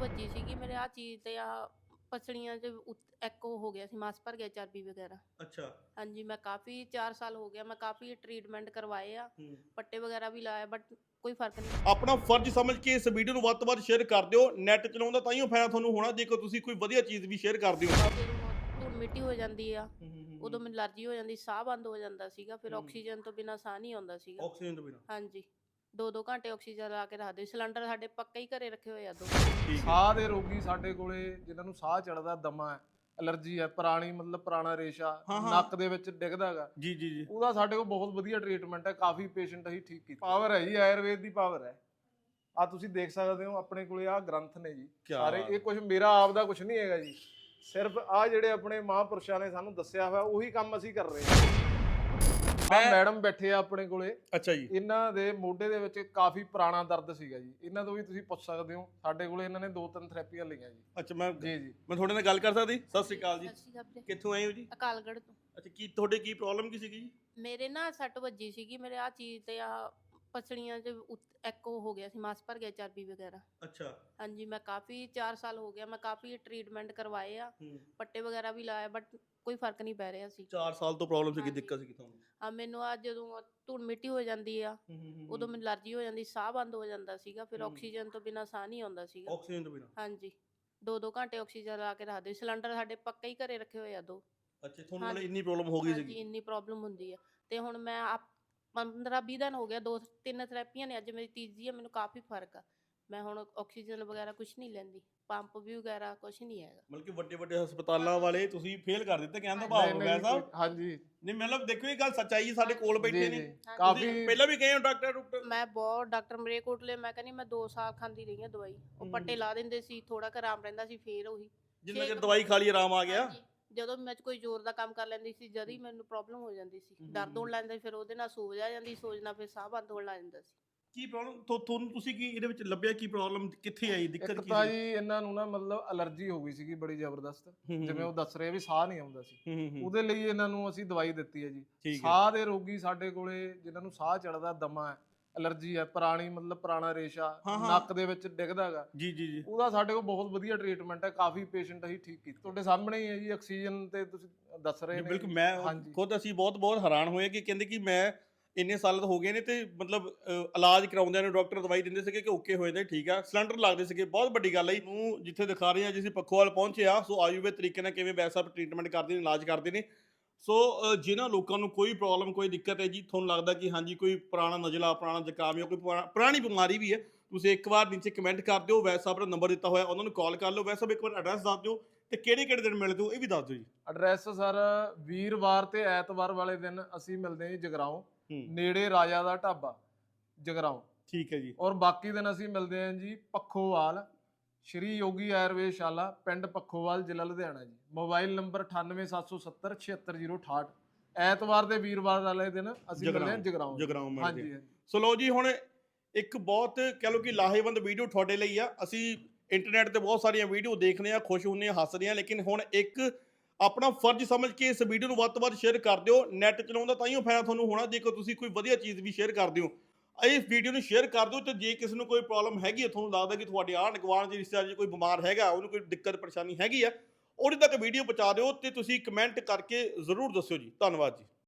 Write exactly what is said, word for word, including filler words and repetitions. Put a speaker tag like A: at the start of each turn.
A: ਵੱਜੀ ਸੀਗੀ ਮੇਰੇ ਆ ਚੀਜ਼ ਤੇ ਆ ਪਸਲੀਆਂ 'ਚ ਉਤ- ਇੱਕ ਉਹ ਹੋ ਗਿਆ ਸੀ, ਮਾਸ ਭਰ ਗਿਆ, ਚਰਬੀ ਵਗੈਰਾ।
B: ਅੱਛਾ।
A: ਹਾਂਜੀ, ਮੈਂ ਕਾਫੀ ਚਾਰ ਸਾਲ ਹੋ ਗਿਆ, ਮੈਂ ਕਾਫੀ ਟ੍ਰੀਟਮੈਂਟ ਕਰਵਾਏ ਆ,
B: ਹੂੰ।
A: ਪੱਟੇ ਵਗੈਰਾ ਵੀ ਲਾਏ, ਬਟ ਕੋਈ ਫਰਕ ਨਹੀਂ।
B: ਆਪਣਾ ਫਰਜ਼ ਸਮਝ ਕੇ ਇਸ ਵੀਡੀਓ ਨੂੰ ਵੱਧ ਤੋਂ ਵੱਧ ਸ਼ੇਅਰ ਕਰ ਦਿਓ। ਨੈਟ ਚਲਾਉਂਦਾ ਤਾਂ ਹੀ ਫਾਇਦਾ ਤੁਹਾਨੂੰ ਹੋਣਾ ਜੇਕਰ ਤੁਸੀਂ ਕੋਈ ਵਧੀਆ ਚੀਜ਼ ਵੀ ਸ਼ੇਅਰ ਕਰਦੇ ਹੋ।
A: ਜਦੋਂ ਧੂੜ ਮਿੱਟੀ ਹੋ ਜਾਂਦੀ ਆ, ਉਦੋਂ ਮੈਨੂੰ ਅਲਰਜੀ ਹੋ ਜਾਂਦੀ, ਸਾਹ ਬੰਦ ਹੋ ਜਾਂਦਾ ਸੀਗਾ, ਫਿਰ
B: ਹੂੰ।
A: ਆਕਸੀਜਨ ਤੋਂ ਬਿਨਾਂ ਸਾਹ ਨਹੀਂ ਆਉਂਦਾ ਸੀਗਾ।
B: ਆਕਸੀਜਨ ਤੋਂ ਬਿਨਾਂ।
A: ਹਾਂਜੀ, ਦੋ ਦੋ ਘੰਟੇ ਆਕਸੀਜਨ ਲਾ ਕੇ ਰੱਖਦੇ, ਸਿਲੰਡਰ ਸਾਡੇ ਪੱਕੇ ਹੀ ਘਰੇ ਰੱਖੇ ਹੋਏ ਆ ਦੋ।
B: ਠੀਕ ਹੈ।
C: ਸਾਹ ਦੇ ਰੋਗੀ ਸਾਡੇ ਕੋਲੇ ਜਿਨ੍ਹਾਂ ਨੂੰ ਸਾਹ ਚੜਦਾ, ਦਮਾ ਹੈ, ਅਲਰਜੀ ਹੈ, ਪੁਰਾਣੀ ਮਤਲਬ ਪੁਰਾਣਾ ਰੇਸ਼ਾ
B: ਹਾਂ, ਹਾਂ।
C: ਨੱਕ ਦੇ ਵਿੱਚ ਡਿੱਗਦਾ ਹੈਗਾ,
B: ਜੀ ਜੀ ਜੀ।
C: ਉਹਦਾ ਸਾਡੇ ਕੋਲ ਬਹੁਤ ਵਧੀਆ ਟ੍ਰੀਟਮੈਂਟ ਹੈ। ਕਾਫੀ ਪੇਸ਼ੈਂਟ ਅਸੀਂ ਠੀਕ ਕੀਤੇ। ਪਾਵਰ ਹੈ ਜੀ, ਆਯੁਰਵੇਦ ਦੀ ਪਾਵਰ ਹੈ। ਆ ਤੁਸੀਂ ਦੇਖ ਸਕਦੇ ਹੋ ਆਪਣੇ ਕੋਲੇ ਆ ਗ੍ਰੰਥ ਨੇ ਜੀ
B: ਕਿਆ
C: ਸਾਰੇ।
B: ਬਾਤ
C: ਇਹ ਕੁਝ ਮੇਰਾ ਆਪ ਦਾ ਕੁਝ ਨਹੀਂ ਹੈਗਾ ਜੀ, ਸਿਰਫ ਆ ਜਿਹੜੇ ਆਪਣੇ ਮਹਾਂਪੁਰਸ਼ਾਂ ਨੇ ਸਾਨੂੰ ਦੱਸਿਆ ਹੋਇਆ ਉਹੀ ਕੰਮ ਅਸੀਂ ਕਰ ਰਹੇ ਹਾਂ। ਆ
B: ਮੈਂ-
C: ਮੈਡਮ ਬੈਠੇ ਆ ਆਪਣੇ ਕੋਲੇ,
B: ਅੱਛਾ ਜੀ।
C: ਇਹਨਾਂ ਦੇ ਮੋਢੇ ਦੇ ਵਿੱਚ ਕਾਫੀ ਪੁਰਾਣਾ ਦਰਦ ਸੀਗਾ ਜੀ, ਇਹਨਾਂ ਤੋਂ ਵੀ ਤੁਸੀਂ ਪੁੱਛ ਸਕਦੇ ਹੋ। ਸਾਡੇ ਕੋਲੇ ਇਹਨਾਂ ਨੇ ਦੋ ਤਿੰਨ ਥੈਰੇਪੀਆਂ ਲਈਆਂ ਜੀ।
B: ਅੱਛਾ, ਮੈਂ
C: ਜੀ ਜੀ
B: ਮੈਂ ਤੁਹਾਡੇ ਨਾਲ ਗੱਲ ਕਰ ਸਕਦੀ? ਸਤਿ ਸ਼੍ਰੀ ਅਕਾਲ ਜੀ।
A: ਸਤਿ ਸ਼੍ਰੀ ਅਕਾਲ ਵੀਰੇ।
B: ਕਿੱਥੋਂ ਆਏ ਹੋ ਜੀ?
A: ਅਕਾਲਗੜ੍ਹ ਤੋਂ।
B: ਅੱਛਾ, ਕੀ ਤੁਹਾਡੇ ਕੀ ਪ੍ਰੋਬਲਮ ਕੀ ਸੀਗੀ ਜੀ?
A: ਮੇਰੇ ਨਾ ਸੱਟ ਵੱਜੀ ਸੀਗੀ ਮੇਰੇ ਆ ਚੀਜ਼ ਤੇ ਆ ਪਸਲੀਆਂ 'ਚ ਉਤ- ਇੱਕ ਉਹ ਹੋ ਗਿਆ ਸੀ, ਮਾਸ ਭਰ ਗਿਆ, ਚਰਬੀ ਵਗੈਰਾ।
B: ਅੱਛਾ।
A: ਹਾਂਜੀ, ਮੈਂ ਕਾਫੀ ਚਾਰ ਸਾਲ ਹੋ ਗਿਆ, ਮੈਂ ਕਾਫੀ ਟ੍ਰੀਟਮੈਂਟ ਕਰਵਾਏ ਆ,
B: ਹੂੰ।
A: ਪੱਟੇ ਵਗੈਰਾ ਵੀ ਲਾਏ, ਬਟ ਕੋਈ ਫਰਕ ਨਹੀਂ ਪੈ ਰਿਹਾ ਸੀ।
B: ਚਾਰ ਸਾਲ ਤੋਂ ਪ੍ਰੋਬਲਮ ਸੀਗੀ,
A: ਹਾਂਜੀ।
B: ਦਿੱਕਤ ਸੀਗੀ ਤੁਹਾਨੂੰ?
A: ਆ ਮੈਨੂੰ ਆ ਜਦੋਂ ਧੂੜ ਮਿੱਟੀ ਹੋ ਜਾਂਦੀ ਆ, ਉਦੋਂ ਮੈਨੂੰ ਅਲਰਜੀ ਹੋ ਜਾਂਦੀ, ਸਾਹ ਬੰਦ ਹੋ ਜਾਂਦਾ ਸੀਗਾ, ਫਿਰ
B: ਹੂੰ।
A: ਆਕਸੀਜਨ ਤੋਂ ਬਿਨਾਂ ਸਾਹ ਨਹੀਂ ਆਉਂਦਾ ਸੀਗਾ।
B: ਆਕਸੀਜਨ ਤੋਂ ਬਿਨਾਂ।
A: ਹਾਂਜੀ, ਦੋ ਦੋ ਘੰਟੇ ਆਕਸੀਜਨ ਲਾ ਕੇ ਰੱਖਦੇ, ਸਿਲੰਡਰ ਸਾਡੇ ਪੱਕੇ ਹੀ ਘਰੇ ਰੱਖੇ ਹੋਏ ਆ ਦੋ।
B: ਅੱਛਾ, ਤੁਹਾਨੂੰ ਮਤਲਬ
A: ਹਾਂਜੀ।
B: ਇੰਨੀ ਪ੍ਰੋਬਲਮ ਹੋ ਗਈ
A: ਹਾਂਜੀ,
B: ਸੀਗੀ?
A: ਇੰਨੀ ਪ੍ਰੋਬਲਮ ਹੁੰਦੀ ਆ। ਤੇ ਹੁਣ ਮੈਂ ਆਪ ਪੰਦਰਾਂ ਵੀਹ ਦਿਨ ਹੋ ਗਿਆ, ਦੋ ਤਿੰਨ ਥੈਰੇਪੀਆਂ ਨੇ, ਅੱਜ ਮੇਰੀ ਤੀਜੀ ਆ, ਮੈਨੂੰ ਕਾਫੀ ਫਰਕ ਆ। ਮੈਂ ਹੁਣ ਆਕਸੀਜਨ ਵਗੈਰਾ ਕੁਝ ਨਹੀਂ ਲੈਂਦੀ, ਪੰਪ ਵੀ ਵਗੈਰਾ ਕੁਝ ਨਹੀਂ ਹੈਗਾ।
B: ਮਤਲਬ ਕਿ ਵੱਡੇ ਵੱਡੇ ਹਸਪਤਾਲਾਂ ਵਾਲੇ ਤੁਸੀਂ ਫੇਲ ਕਰ ਦਿੱਤੇ, ਕਹਿਣ ਦਾ
C: ਨਹੀਂ,
B: ਭਾਵ
C: ਨਹੀਂ,
B: ਮੈਂ ਸਾਹਿਬ।
C: ਕੋਈ- ਹਾਂਜੀ
B: ਨਹੀਂ ਮਤਲਬ ਦੇਖੋ, ਇਹ ਗੱਲ ਸੱਚਾਈ ਹੈ, ਸਾਡੇ ਕੋਲ ਬੈਠੇ
C: ਜੀ
B: ਨੇ।
C: ਜੀ
A: ਹਾਂਜੀ।
C: ਕਾਫੀ
B: ਤੁਸੀਂ ਪਹਿਲਾਂ ਵੀ ਗਏ ਹੋ ਡਾਕਟਰ ਡਾਕਟਰ?
A: ਮੈਂ ਬਹੁਤ ਡਾਕਟਰ ਮਰੇ ਕੋਟਲੇ, ਮੈਂ ਕਹਿੰਦੀ ਮੈਂ ਦੋ ਸਾਲ ਖਾਂਦੀ ਰਹੀ ਹਾਂ ਦਵਾਈ। ਉਹ
B: ਹਮ।
A: ਪੱਟੇ ਲਾ ਦਿੰਦੇ ਸੀ, ਥੋੜਾ ਕੁ ਆਰਾਮ ਰਹਿੰਦਾ ਸੀ, ਫੇਰ ਉਹੀ
B: ਜਿੰਨਾ
A: ਛੇ
B: ਚਿਰ
A: ਕੁ-
B: ਦਵਾਈ ਖਾ ਲਈ ਆਰਾਮ ਆ ਗਿਆ।
A: ਹਾਂਜੀ, ਜਦੋਂ ਮੈਂ ਕੋਈ ਜ਼ੋਰ ਦਾ ਕੰਮ ਕਰ ਲੈਂਦੀ ਸੀ, ਜਦ ਹੀ ਮੈਨੂੰ ਪ੍ਰੋਬਲਮ ਹੋ ਜਾਂਦੀ ਸੀ,
B: ਹਮ।
A: ਦਰਦ ਹੋਣ ਲੱਗ ਜਾਂਦਾ ਸੀ, ਫਿਰ ਉਹਦੇ ਨਾਲ ਸੋਜ ਆ ਜਾਂਦੀ, ਸੋਜ ਨਾਲ ਫਿਰ ਸਾਹ ਬੰਦ ਹੋਣ ਲੱਗ ਜਾਂਦਾ ਸੀ।
B: ਕੀ ਪ੍ਰੋਬਲਮ ਤੁਹਾਨੂੰ, ਤੁਸੀਂ ਕੀ ਇਹਦੇ ਵਿੱਚ ਲੱਭਿਆ? ਕੀ ਪ੍ਰੋਬਲਮ ਕਿੱਥੇ ਆਈ, ਦਿੱਕਤ
C: ਇੱਕ
B: ਕੀ
C: ਤਾਂ
B: ਸੀ?
C: ਜੀ ਇਹਨਾਂ ਨੂੰ ਨਾ ਮਤਲਬ ਅਲਰਜੀ ਹੋ ਗਈ ਸੀਗੀ ਬੜੀ ਜ਼ਬਰਦਸਤ,
B: ਹੂੰ, ਹੂੰ,
C: ਜਿਵੇਂ ਉਹ ਦੱਸ ਰਹੇ ਵੀ ਸਾਹ ਨਹੀਂ ਆਉਂਦਾ ਸੀ।
B: ਹੂੰ, ਹੂੰ, ਹੂੰ।
C: ਉਹਦੇ ਲਈ ਇਹਨਾਂ ਨੂੰ ਅਸੀਂ ਦਵਾਈ ਦਿੱਤੀ ਹੈ ਜੀ।
B: ਠੀਕ ਹੈ।
C: ਸਾਹ ਦੇ ਰੋਗੀ ਸਾਡੇ ਕੋਲੇ ਜਿਨ੍ਹਾਂ ਨੂੰ ਸਾਹ ਚੜਦਾ, ਦਮਾ ਹੈ, ਅਲਰਜੀ ਹੈ, ਪੁਰਾਣੀ ਮਤਲਬ ਪੁਰਾਣਾ ਰੇਸ਼ਾ
B: ਹਾਂ, ਹਾਂ।
C: ਨੱਕ ਦੇ ਵਿੱਚ ਡਿੱਗਦਾ ਹੈਗਾ,
B: ਜੀ ਜੀ ਜੀ।
C: ਉਹਦਾ ਸਾਡੇ ਕੋਲ ਬਹੁਤ ਵਧੀਆ ਟ੍ਰੀਟਮੈਂਟ ਹੈ। ਕਾਫੀ ਪੇਸ਼ੈਂਟ ਅਸੀਂ ਠੀਕ ਕੀਤੇ। ਤੁਹਾਡੇ ਸਾਹਮਣੇ ਹੀ ਹੈ ਜੀ, ਆਕਸੀਜਨ ਤੇ ਤੁਸੀਂ ਦੱਸ ਰਹੇ
B: ਜੀ,
C: ਨੇ।
B: ਬਿਲਕੁਲ। ਮੈਂ
C: ਹਾਂਜੀ।
B: ਖੁਦ ਅਸੀਂ ਬਹੁਤ ਬਹੁਤ ਹੈਰਾਨ ਹੋਏ ਕਿ ਕਹਿੰਦੇ ਕਿ ਮੈਂ ਇੰਨੇ ਸਾਲ ਹੋ ਗਏ ਨੇ ਤੇ ਮਤਲਬ ਅ, ਇਲਾਜ ਕਰਾਉਂਦਿਆਂ ਨੂੰ ਡਾਕਟਰ ਦਵਾਈ ਦਿੰਦੇ ਸੀਗੇ ਕਿ ਓਕੇ ਹੋ ਜਾਂਦੇ, ਠੀਕ ਆ, ਸਿਲੰਡਰ ਲੱਗਦੇ ਸੀਗੇ। ਬਹੁਤ ਵੱਡੀ ਗੱਲ ਹੈ ਨੂੰ ਜਿੱਥੇ ਦਿਖਾ ਰਹੇ ਆ, ਜਿਸ ਪੱਖੋਵਾਲ ਪਹੁੰਚੇ ਆ, ਸੋ ਆਯੁਰਵੇਦ ਤਰੀਕੇ ਨਾਲ ਕਿਵੇਂ ਵੈਸਾ ਟ੍ਰੀਟਮੈਂਟ ਕਰਦੇ ਨੇ, ਇਲਾਜ ਕਰਦੇ ਨੇ। ਸੋ ਅ, ਜਿਨ੍ਹਾਂ ਲੋਕਾਂ ਨੂੰ ਕੋਈ ਪ੍ਰੋਬਲਮ ਕੋਈ ਦਿੱਕਤ ਹੈ ਜੀ, ਤੁਹਾਨੂੰ ਲੱਗਦਾ ਕਿ ਹਾਂਜੀ ਕੋਈ ਪੁਰਾਣਾ ਨਜ਼ਲਾ, ਪੁਰਾਣਾ ਜ਼ੁਕਾਮ ਜਾਂ ਕੋਈ ਪੁਰਾ- ਪੁਰਾਣੀ ਬਿਮਾਰੀ ਵੀ ਹੈ, ਤੁਸੀਂ ਇੱਕ ਵਾਰ ਨੀਚੇ ਕਮੈਂਟ ਕਰ ਦਿਓ। ਵੈਸਾ ਆਪਣਾ ਨੰਬਰ ਦਿੱਤਾ ਹੋਇਆ, ਉਹਨਾਂ ਨੂੰ ਕਾਲ ਕਰ ਲਓ। ਵੈਸਾ ਇੱਕ ਵਾਰ ਐਡਰੈਸ ਦੱਸ ਦਿਓ ਤੇ ਕਿਹੜੇ ਕਿਹੜੇ ਦਿਨ ਮਿਲਦੇ ਹੋ ਇਹ ਵੀ ਦੱਸ ਦਿਓ ਜੀ।
C: ਐਡਰੈਸ ਸਰ ਵੀਰਵਾਰ ਤੇ ਐਤਵਾਰ ਵਾਲੇ ਦਿਨ ਅਸੀਂ ਮਿਲਦੇ ਹਾਂ ਜੀ ਜਗਰਾਉਂ,
B: ਹੂੰ।
C: ਨੇੜੇ ਰਾਜਾ ਦਾ ਢਾਬਾ, ਜਗਰਾਉਂ।
B: ਠੀਕ ਹੈ ਜੀ।
C: ਔਰ ਬਾਕੀ ਦਿਨ ਅਸੀਂ ਮਿਲਦੇ ਹਾਂ ਜੀ ਪੱਖੋਵਾਲ, ਸ਼੍ਰੀ ਯੋਗੀ ਆਯੁਰਵੇਦਸ਼ਾਲਾ, ਪਿੰਡ ਪੱਖੋਵਾਲ, ਜ਼ਿਲ੍ਹਾ ਲੁਧਿਆਣਾ ਜੀ। ਮੋਬਾਈਲ ਨੰਬਰ ਅਠਾਨਵੇਂ ਸੱਤ ਸੌ ਸੱਤਰ ਛਿਅੱਤਰ ਜ਼ੀਰੋ ਅਠਾਹਠ। ਐਤਵਾਰ ਤੇ ਵੀਰਵਾਰ ਵਾਲੇ ਦਿਨ ਅਸੀਂ ਮਿਲਦੇ ਹਾਂ ਜਗਰਾਉਂ।
B: ਜਗਰਾਉਂ ਮਿਲਦੇ
C: ਹਾਂਜੀ ਹਾਂਜੀ।
B: ਸੋ ਲਓ ਜੀ, ਹੁਣ ਇੱਕ ਬਹੁਤ ਕਹਿ ਲਓ ਕਿ ਲਾਹੇਵੰਦ ਵੀਡੀਓ ਤੁਹਾਡੇ ਲਈ ਆ। ਅਸੀਂ ਇੰਟਰਨੈਟ ਤੇ ਬਹੁਤ ਸਾਰੀਆਂ ਵੀਡੀਓ ਦੇਖਦੇ ਆ, ਖੁਸ਼ ਹੁੰਦੇ ਆ, ਹੱਸਦੇ ਆ, ਲੇਕਿਨ ਹੁਣ ਇੱਕ ਆਪਣਾ ਫਰਜ਼ ਸਮਝ ਕੇ ਇਸ ਵੀਡੀਓ ਨੂੰ ਵੱਧ ਤੋਂ ਵੱਧ ਸ਼ੇਅਰ ਕਰ ਦਿਓ। ਨੈਟ ਚਲਾਉਂਦਾ ਤਾਂ ਹੀ ਫਾਇਦਾ ਤੁਹਾਨੂੰ ਹੋਣਾ ਜੇਕਰ ਤੁਸੀਂ ਕੋਈ ਵਧੀਆ ਚੀਜ਼ ਵੀ ਸ਼ੇਅਰ ਕਰਦੇ ਹੋ। ਇਸ ਵੀਡੀਓ ਨੂੰ ਸ਼ੇਅਰ ਕਰ ਦਿਓ ਤੇ ਜੇ ਕਿਸੇ ਨੂੰ ਕੋਈ ਪ੍ਰੋਬਲਮ ਹੈਗੀ ਹੈ, ਤੁਹਾਨੂੰ ਲੱਗਦਾ ਕਿ ਤੁਹਾਡੇ ਆਂਢ ਗੁਆਂਢ ਦੇ ਰਿਸ਼ਤੇਦਾਰ 'ਚ ਕੋਈ ਬਿਮਾਰ ਹੈਗਾ, ਉਹਨੂੰ ਕੋਈ ਦਿੱਕਤ ਪਰੇਸ਼ਾਨੀ ਹੈਗੀ ਆ, ਉਹਦੇ ਤੱਕ ਵੀਡੀਓ ਪਹੁੰਚਾ ਦਿਓ ਤੇ ਤੁਸੀਂ ਕਮੈਂਟ ਕਰਕੇ ਜ਼ਰੂਰ ਦੱਸਿਓ ਜੀ। ਧੰਨਵਾਦ ਜੀ।